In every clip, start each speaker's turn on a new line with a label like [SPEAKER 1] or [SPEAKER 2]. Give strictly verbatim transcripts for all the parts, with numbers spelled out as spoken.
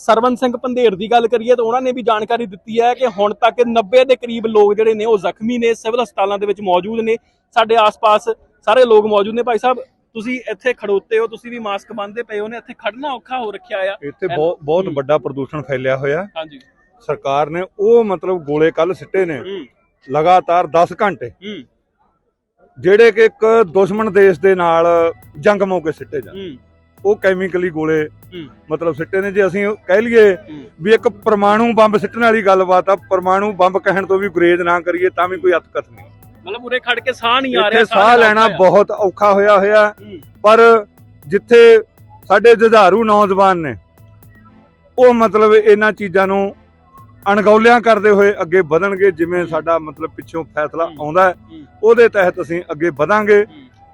[SPEAKER 1] ਸਰਵਨ ਸਿੰਘ ਪੰਧੇਰ ਦੀ ਗੱਲ ਕਰੀਏ ਤਾਂ ਉਹਨਾਂ ਨੇ ਵੀ ਜਾਣਕਾਰੀ ਦਿੱਤੀ ਹੈ ਕਿ ਹੁਣ ਤੱਕ ਨੱਬੇ ਦੇ ਕਰੀਬ ਲੋਕ ਜਿਹੜੇ ਨੇ ਉਹ ਜ਼ਖਮੀ ਨੇ, ਸਿਵਲ ਹਸਪਤਾਲਾਂ ਦੇ ਵਿੱਚ ਮੌਜੂਦ ਨੇ। ਸਾਡੇ ਆਸ-ਪਾਸ ਸਾਰੇ ਲੋਕ ਮੌਜੂਦ ਨੇ। ਭਾਈ ਸਾਹਿਬ ਤੁਸੀਂ ਇੱਥੇ ਖੜੋਤੇ ਹੋ, ਤੁਸੀਂ ਵੀ ਮਾਸਕ ਬੰਨ੍ਹਦੇ ਪਏ ਹੋ ਨੇ, ਇੱਥੇ ਖੜਨਾ ਔਖਾ ਹੋ ਰੱਖਿਆ ਆ।
[SPEAKER 2] ਇੱਥੇ ਬਹੁਤ ਬਹੁਤ ਵੱਡਾ ਪ੍ਰਦੂਸ਼ਣ ਫੈਲਿਆ ਹੋਇਆ।
[SPEAKER 1] ਹਾਂਜੀ,
[SPEAKER 2] ਸਰਕਾਰ ਨੇ ਉਹ ਮਤਲਬ ਗੋਲੇ ਕੱਲ ਸਿੱਟੇ ਨੇ ਲਗਾਤਾਰ ਦਸ ਘੰਟੇ, ਜਿਹੜੇ ਕਿ ਇੱਕ ਦੁਸ਼ਮਣ ਦੇਸ਼ ਦੇ ਨਾਲ ਜੰਗ ਮੌਕੇ ਸਿੱਟੇ ਜਾਣ। ਉਹ ਕੈਮੀਕਲੀ ਗੋਲੇ ਮਤਲਬ ਸਿੱਟੇ ਨੇ। ਜੇ ਅਸੀਂ ਕਹਿ ਲਈਏ ਵੀ ਇੱਕ ਪਰਮਾਣੂ ਬੰਬ ਸਿੱਟਣ ਵਾਲੀ ਗੱਲਬਾਤ ਆ, ਪਰਮਾਣੂ ਬੰਬ ਕਹਿਣ ਤੋਂ ਵੀ ਗੁਰੇਜ਼ ਨਾ ਕਰੀਏ ਤਾਂ ਵੀ ਕੋਈ ਅਤਕਥ ਨਹੀਂ।
[SPEAKER 1] ਮਤਲਬ ਉਰੇ ਖੜ ਕੇ ਸਾਹ ਨਹੀਂ ਆ ਰਿਹਾ,
[SPEAKER 2] ਸਾਹ ਲੈਣਾ ਬਹੁਤ ਔਖਾ ਹੋਇਆ ਹੋਇਆ। ਪਰ ਜਿੱਥੇ ਸਾਡੇ ਜੁਝਾਰੂ ਨੌਜਵਾਨ ਨੇ ਉਹ ਮਤਲਬ ਇਹਨਾਂ ਚੀਜ਼ਾਂ ਨੂੰ ਅਣਗੌਲਿਆਂ ਕਰਦੇ ਹੋਏ ਅੱਗੇ ਵਧਣਗੇ। ਜਿਵੇਂ ਸਾਡਾ ਮਤਲਬ ਪਿੱਛੋਂ ਫੈਸਲਾ ਆਉਂਦਾ ਹੈ ਉਹਦੇ ਤਹਿਤ ਅਸੀਂ ਅੱਗੇ ਵਧਾਂਗੇ।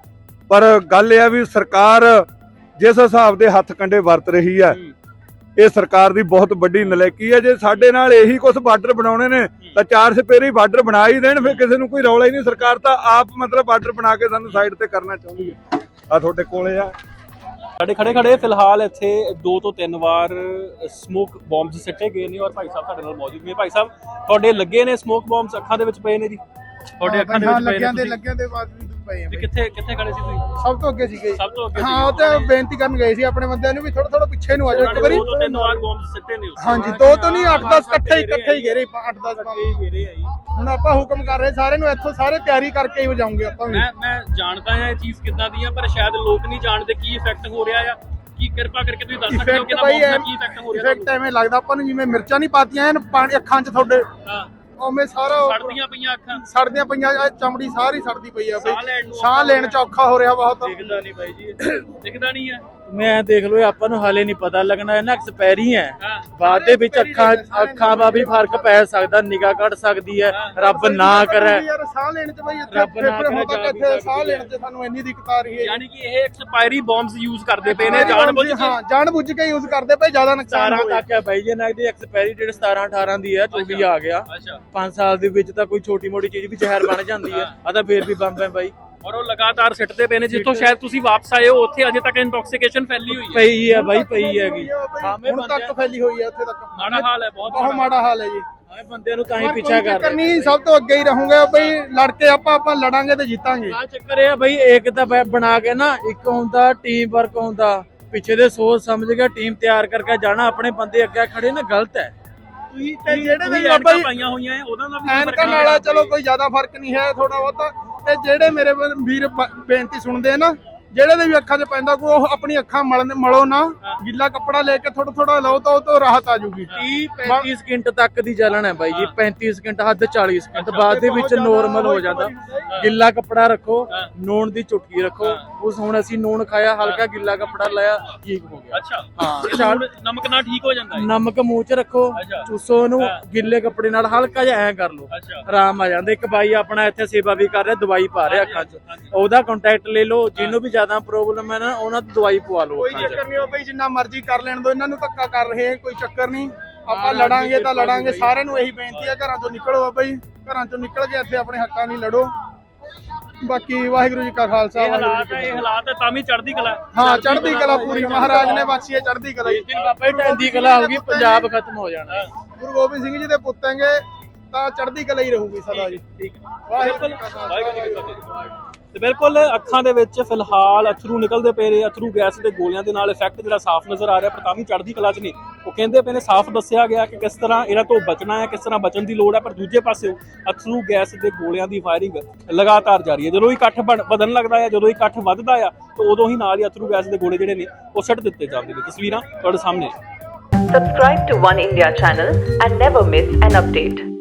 [SPEAKER 2] ਪਰ ਗੱਲ ਇਹ ਆ ਵੀ ਸਰਕਾਰ ਜਿਸ ਹਿਸਾਬ ਦੇ ਹੱਥ ਕੰਡੇ ਵਰਤ ਰਹੀ ਹੈ, ਇਹ ਸਰਕਾਰ ਦੀ ਬਹੁਤ ਵੱਡੀ ਨਲਾਇਕੀ ਹੈ। ਜੇ ਸਾਡੇ ਨਾਲ ਇਹੀ ਕੁਝ ਬਾਰਡਰ ਬਣਾਉਣੇ ਨੇ ਤਾਂ ਚਾਰ ਸਪੇਰੇ ਬਾਰਡਰ ਬਣਾ ਹੀ ਦੇਣ, ਫਿਰ ਕਿਸੇ ਨੂੰ ਕੋਈ ਰੌਲਾ ਹੀ ਨਹੀਂ। ਸਰਕਾਰ ਤਾਂ ਆਪ ਮਤਲਬ ਬਾਰਡਰ ਬਣਾ ਕੇ ਸਾਨੂੰ ਸਾਈਡ ਤੇ ਕਰਨਾ ਚਾਹੁੰਦੀ ਹੈ। ਆ ਤੁਹਾਡੇ ਕੋਲੇ ਆ
[SPEAKER 1] ਸਾਡੇ ਖੜੇ ਖੜੇ ਫਿਲਹਾਲ ਇੱਥੇ ਦੋ ਤੋਂ ਤਿੰਨ ਵਾਰ ਸਮੋਕ ਬੰਬਸ ਸਿੱਟੇ ਗਏ ਨੇ ਔਰ ਭਾਈ ਸਾਹਿਬ ਸਾਡੇ ਨਾਲ ਮੌਜੂਦ ਨੇ। ਭਾਈ ਸਾਹਿਬ ਤੁਹਾਡੇ ਲੱਗੇ ਨੇ ਸਮੋਕ ਬੰਬਸ, ਅੱਖਾਂ ਦੇ ਵਿੱਚ ਪਏ ਨੇ ਜੀ? ਤੁਹਾਡੇ ਅੱਖਾਂ ਦੇ ਵਿੱਚ ਪਏ
[SPEAKER 3] ਲੱਗਿਆਂ ਦੇ ਲੱਗਿਆਂ ਦੇ ਬਾਅਦ ਵੀ ਪਏ ਆ।
[SPEAKER 1] ਕਿੱਥੇ ਕਿੱਥੇ ਖੜੇ ਸੀ ਤੁਸੀਂ?
[SPEAKER 3] ਸਭ ਤੋਂ ਅੱਗੇ ਸੀਗੇ।
[SPEAKER 1] ਸਭ ਤੋਂ ਅੱਗੇ
[SPEAKER 3] ਹਾਂ, ਉਹ ਤੇ ਬੇਨਤੀ ਕਰਨ ਗਏ ਸੀ ਆਪਣੇ ਬੰਦਿਆਂ ਨੂੰ ਵੀ ਥੋੜਾ ਥੋੜਾ ਪਿੱਛੇ ਨੂੰ ਆ ਜਾਓ ਇੱਕ ਵਾਰੀ।
[SPEAKER 1] ਦੋ ਤੋਂ ਤਿੰਨ ਵਾਰ ਬੰਬਸ ਸਿੱਟੇ ਨੇ।
[SPEAKER 3] ਹਾਂਜੀ, ਦੋ ਤੋਂ ਨਹੀਂ ਅੱਠ ਦਸ ਇਕੱਠੇ ਇਕੱਠੇ ਹੀ ਘੇਰੇ, ਅੱਠ ਦਸ ਘੇਰੇ ਆ ਜੀ। ਹੁਣ ਆਪਾਂ ਹੁਕਮ ਕਰ ਰਹੇ ਸਾਰੇ ਨੂੰ, ਇੱਥੋਂ ਸਾਰੇ ਤਿਆਰੀ ਕਰਕੇ ਹੀ ਵਜਾਉਂਗੇ ਆਪਾਂ ਵੀ।
[SPEAKER 1] ਮੈਂ ਮੈਂ ਜਾਣਦਾ ਹਾਂ ਇਹ ਚੀਜ਼ ਕਿੱਦਾਂ ਦੀ ਆ, ਪਰ ਸ਼ਾਇਦ ਲੋਕ ਨਹੀਂ ਜਾਣਦੇ ਕੀ ਇਫੈਕਟ ਹੋ ਰਿਹਾ ਆ। ਕੀ ਕਿਰਪਾ ਕਰਕੇ ਤੁਸੀਂ ਦੱਸ ਸਕਦੇ ਹੋ ਕਿ ਇਹਦਾ ਕੀ ਇਫੈਕਟ ਹੋ ਰਿਹਾ?
[SPEAKER 3] ਇਫੈਕਟ ਐਵੇਂ ਲੱਗਦਾ ਆਪਾਂ ਨੂੰ ਜਿਵੇਂ ਮਿਰਚਾਂ ਨਹੀਂ ਪਾਤੀਆਂ ਐਨ ਪਾਣੀ ਅੱਖਾਂ 'ਚ ਤੁਹਾਡੇ, ਉਵੇਂ ਸਾਰਾ
[SPEAKER 1] ਸੜਦੀਆਂ ਪਈਆਂ ਅੱਖਾਂ,
[SPEAKER 3] ਸੜਦੀਆਂ ਪਈਆਂ, ਚਮੜੀ ਸਾਰੀ ਸੜਦੀ ਪਈ ਆ ਬਈ। ਸਾਹ ਲੈਣ 'ਚ ਔਖਾ ਹੋ ਰਿਹਾ ਬਹੁਤ।
[SPEAKER 1] ਦਿਖਦਾ ਨਹੀਂ ਬਾਈ ਜੀ, ਦਿਖਦਾ ਨਹੀਂ ਹੈ।
[SPEAKER 4] ਮੈਂ ਦੇਖ ਲਓ ਆਪਾਂ ਨੂੰ ਹਾਲੇ ਨਹੀਂ ਪਤਾ ਲੱਗਣਾ, ਇਹ ਨਾ ਐਕਸਪਾਇਰੀ ਹੈ। ਬਾਅਦ ਦੇ ਵਿੱਚ ਅੱਖਾਂ ਅੱਖਾਂ ਦਾ ਵੀ ਫਰਕ ਪੈ ਸਕਦਾ, ਨਿਗਾਹ ਘਟ ਸਕਦੀ ਹੈ। ਰੱਬ ਨਾ ਕਰੇ
[SPEAKER 3] ਯਾਰ ਸਾਹ ਲੈਣ 'ਚ ਬਈ ਇੱਥੇ ਇੱਥੇ ਸਾਹ ਲੈਣ 'ਚ ਸਾਨੂੰ ਇੰਨੀ ਦਿੱਕਤ ਆ ਰਹੀ ਹੈ।
[SPEAKER 1] ਯਾਨੀ ਕਿ ਇਹ ਐਕਸਪਾਇਰੀ ਬੰਬਸ ਯੂਜ਼ ਕਰਦੇ ਪਏ ਨੇ ਜਾਣ ਬੁੱਝ ਕੇ।
[SPEAKER 3] ਹਾਂ, ਜਾਣ ਬੁੱਝ ਕੇ ਯੂਜ਼ ਕਰਦੇ ਪਏ, ਜ਼ਿਆਦਾ ਨੁਕਸਾਨ
[SPEAKER 4] ਸਤਾਰਾਂ ਤੱਕ ਹੈ ਬਾਈ ਜੀ ਨਾ ਦੀ ਐਕਸਪਾਇਰੀ ਡੇਟ ਸਤਾਰਾਂ ਅਠਾਰਾਂ ਦੀ ਹੈ, ਚੌਵੀ ਆ ਗਿਆ। ਪੰਜ ਸਾਲ ਦੇ ਵਿੱਚ ਤਾਂ ਕੋਈ ਛੋਟੀ ਮੋਟੀ ਚੀਜ਼ ਵੀ ਜ਼ਹਿਰ ਬਣ ਜਾਂਦੀ ਹੈ, ਆ ਤਾਂ ਫੇਰ ਵੀ ਬੰਬ ਹੈ ਬਾਈ।
[SPEAKER 1] ਔਰ ਉਹ ਲਗਾਤਾਰ ਸਿੱਟਦੇ ਪਏ ਨੇ। ਜਿੱਥੋਂ ਸ਼ਾਇਦ ਤੁਸੀਂ ਵਾਪਸ ਆਏ ਹੋ ਉੱਥੇ ਅਜੇ ਤੱਕ ਇੰਟੌਕਸੀਕੇਸ਼ਨ ਫੈਲੀ ਹੋਈ ਹੈ।
[SPEAKER 4] ਪਈ ਹੈ ਬਾਈ, ਪਈ ਹੈਗੀ।
[SPEAKER 3] ਹੁਣ ਤੱਕ ਫੈਲੀ ਹੋਈ ਹੈ, ਉੱਥੇ ਤੱਕ
[SPEAKER 1] ਮਾੜਾ ਹਾਲ ਹੈ, ਬਹੁਤ
[SPEAKER 3] ਬਹੁਤ ਮਾੜਾ ਹਾਲ ਹੈ ਜੀ।
[SPEAKER 4] ਆਏ ਬੰਦਿਆਂ ਨੂੰ ਤਾਂ ਹੀ ਪਿੱਛਾ ਕਰ ਰਹੇ
[SPEAKER 3] ਨਹੀਂ, ਸਭ ਤੋਂ ਅੱਗੇ ਹੀ ਰਹੂੰਗਾ ਬਈ। ਲੜ ਕੇ ਆਪਾਂ ਆਪਾਂ ਲੜਾਂਗੇ ਤੇ ਜਿੱਤਾਂਗੇ।
[SPEAKER 4] ਆ ਚੱਕਰ ਇਹ ਆ ਬਈ, ਇੱਕ ਤਾਂ ਬਣਾ ਕੇ ਨਾ, ਇੱਕ ਹੁੰਦਾ ਟੀਮ ਵਰਕ ਹੁੰਦਾ, ਪਿੱਛੇ ਦੇ ਸੋਚ ਸਮਝ ਕੇ ਟੀਮ ਤਿਆਰ ਕਰਕੇ ਜਾਣਾ। ਆਪਣੇ ਬੰਦੇ ਅੱਗੇ ਖੜੇ ਨਾ ਗਲਤ ਹੈ।
[SPEAKER 3] ਤੁਸੀਂ ਤੇ ਜਿਹੜੇ ਵੀ
[SPEAKER 1] ਐਨਕਾਂ ਪਾਈਆਂ ਹੋਈਆਂ ਉਹਦਾ ਦਾ ਵੀ
[SPEAKER 3] ਐਨਕਾਂ ਨਾਲ ਚਲੋ ਕੋਈ ਜ਼ਿਆਦਾ ਫਰਕ ਨਹੀਂ ਹੈ, ਥੋੜਾ ਬਹੁਤਾ। ਤੇ ਜਿਹੜੇ ਮੇਰੇ ਵੀਰ ਬੇਨਤੀ ਸੁਣਦੇ ਆ ਨਾ, ਜਿਹੜੇ ਦੇ ਵੀ ਅੱਖਾਂ 'ਚ ਪੈਂਦਾ ਕੋਈ, ਉਹ ਆਪਣੀ ਅੱਖਾਂ ਮਲਣ ਮਲੋ ਨਾ, ਗਿੱਲਾ ਕੱਪੜਾ ਲੈ ਕੇ ਥੋੜਾ ਥੋੜਾ ਲਓ ਤਾਂ ਉਹ ਤੋਂ ਰਾਹਤ ਆ ਜੂਗੀ।
[SPEAKER 4] ਤੀਹ ਪੈਂਤੀ ਸਕਿੰਟ ਤੱਕ ਦੀ ਜਲਣ ਹੈ ਬਾਈ ਜੀ, ਪੈਂਤੀ ਸਕਿੰਟ ਹੱਦ ਚਾਲੀ ਸਕਿੰਟ ਬਾਅਦ ਦੇ ਵਿੱਚ ਨੋਰਮਲ ਹੋ ਜਾਂਦਾ। ਗਿੱਲਾ ਕੱਪੜਾ ਰੱਖੋ, ਨੂਣ ਦੀ ਚੁਟਕੀ ਰੱਖੋ। ਉਸ ਹੁਣ ਅਸੀਂ ਨੂਣ ਖਾਇਆ, ਹਲਕਾ ਗਿੱਲਾ ਕੱਪੜਾ ਲਾਇਆ, ਠੀਕ ਹੋ ਗਿਆ।
[SPEAKER 1] ਅੱਛਾ,
[SPEAKER 4] ਹਾਂ,
[SPEAKER 1] ਨਮਕ ਨਾਲ ਠੀਕ ਹੋ ਜਾਂਦਾ ਹੈ।
[SPEAKER 4] ਨਮਕ ਮੂੰਹ 'ਚ ਰੱਖੋ, ਚੂਸੋ ਉਹਨੂੰ, ਗਿੱਲੇ ਕੱਪੜੇ ਨਾਲ ਹਲਕਾ ਜਿਹਾ ਐਂ ਕਰ ਲਓ, ਆਰਾਮ ਆ ਜਾਂਦਾ। ਇੱਕ ਬਾਈ ਆਪਣਾ ਇੱਥੇ ਸੇਵਾ ਵੀ ਕਰ ਰਿਹਾ, ਦਵਾਈ ਪਾ ਰਿਹਾ ਅੱਖਾਂ 'ਚ, ਉਹਦਾ ਕੰਟੈਕਟ ਲੈ ਲਓ। ਜਿਹਨੂੰ ਵੀ ਜ਼ਿਆਦਾ ਪ੍ਰੋਬਲਮ ਹੈ ਨਾ, ਉਹਨਾਂ ਤੋਂ ਦਵਾਈ ਪਵਾ ਲਓ।
[SPEAKER 3] ਕੋਈ ਚੱਕਰ ਨਹੀਂ, ਉਹ ਬਈ ਜਿੰਨਾ ਮਰਜ਼ੀ ਕਰ ਲੈਣ ਦੋ, ਇਹਨਾਂ ਨੂੰ ਧੱਕਾ ਕਰ ਰਹੇ, ਕੋਈ ਚੱਕਰ ਨਹੀਂ। ਆਪਾਂ ਲੜਾਂਗੇ ਤਾਂ ਲੜਾਂਗੇ। ਸਾਰਿਆਂ ਨੂੰ ਇਹੀ ਬੇਨਤੀ ਹੈ, ਘਰਾਂ ਚੋਂ ਨਿਕਲੋ ਬਈ, ਘਰਾਂ ਚੋਂ ਨਿਕਲ ਕੇ ਇੱਥੇ ਆਪਣੇ ਹੱਕਾਂ ਲਈ ਲੜੋ। ਬਾਕੀ ਵਾਹਿਗੁਰੂ ਜੀ ਕਾ ਖਾਲਸਾ, ਵਾਹਿਗੁਰੂ ਜੀ ਕੀ ਫਤਿਹ।
[SPEAKER 1] ਇਹ ਹਾਲਾਤ ਹੈ ਤਾਂ ਵੀ ਚੜ੍ਹਦੀ ਕਲਾ।
[SPEAKER 3] ਹਾਂ, ਚੜ੍ਹਦੀ ਕਲਾ ਪੂਰੀ ਮਹਾਰਾਜ ਨੇ ਬਖਸ਼ੀ ਹੈ, ਚੜ੍ਹਦੀ ਕਲਾ।
[SPEAKER 4] ਜਿਸ ਦਿਨ ਬਾਬਾ ਜੀ ਚੜ੍ਹਦੀ ਕਲਾ ਹੋਊਗੀ, ਪੰਜਾਬ ਖਤਮ ਹੋ ਜਾਣਾ।
[SPEAKER 3] ਗੁਰੂ ਗੋਬਿੰਦ ਸਿੰਘ ਜੀ ਦੇ ਪੁੱਤ ਹੈਗੇ ਤਾਂ ਚੜ੍ਹਦੀ ਕਲਾ ਹੀ ਰਹੂਗੀ ਸਦਾ ਜੀ।
[SPEAKER 1] ਠੀਕ ਹੈ, ਵਾਹਿਗੁਰੂ ਜੀ ਕੀ ਫਤਿਹ। ਤੇ ਬਿਲਕੁਲ ਅੱਖਾਂ ਦੇ ਵਿੱਚ ਫਿਲਹਾਲ ਅਥਰੂ ਨਿਕਲਦੇ ਪਏ ਨੇ। ਅਥਰੂ ਗੈਸ ਦੇ ਗੋਲਿਆਂ ਦੇ ਨਾਲ ਇਫੈਕਟ ਜਿਹੜਾ ਸਾਫ਼ ਨਜ਼ਰ ਆ ਰਿਹਾ, ਪਰ ਤਾਂ ਵੀ ਚੜ੍ਹਦੀ ਕਲਾ 'ਚ ਨੇ। ਉਹ ਕਹਿੰਦੇ ਪਏ ਨੇ, ਸਾਫ਼ ਦੱਸਿਆ ਗਿਆ ਕਿ ਕਿਸ ਤਰ੍ਹਾਂ ਇਹਨਾਂ ਤੋਂ ਬਚਣਾ ਹੈ, ਕਿਸ ਤਰ੍ਹਾਂ ਬਚਣ ਦੀ ਲੋੜ ਹੈ। ਪਰ ਦੂਜੇ ਪਾਸੇ ਅਥਰੂ ਗੈਸ ਦੇ ਗੋਲਿਆਂ ਦੀ ਫਾਇਰਿੰਗ ਲਗਾਤਾਰ ਜਾਰੀ ਹੈ। ਜਦੋਂ ਹੀ ਇਕੱਠ ਵਧਣ ਲੱਗਦਾ ਹੈ, ਜਦੋਂ ਹੀ ਇਕੱਠ ਵੱਧਦਾ ਆ, ਤਾਂ ਉਦੋਂ ਹੀ ਨਾਲ ਹੀ ਅਥਰੂ ਗੈਸ ਦੇ ਗੋਲੇ ਜਿਹੜੇ ਨੇ ਉਹ ਸੁੱਟ ਦਿੱਤੇ ਜਾਂਦੇ ਨੇ। ਤਸਵੀਰਾਂ ਤੁਹਾਡੇ ਸਾਹਮਣੇ।
[SPEAKER 5] Subscribe to One India channel and never miss an update.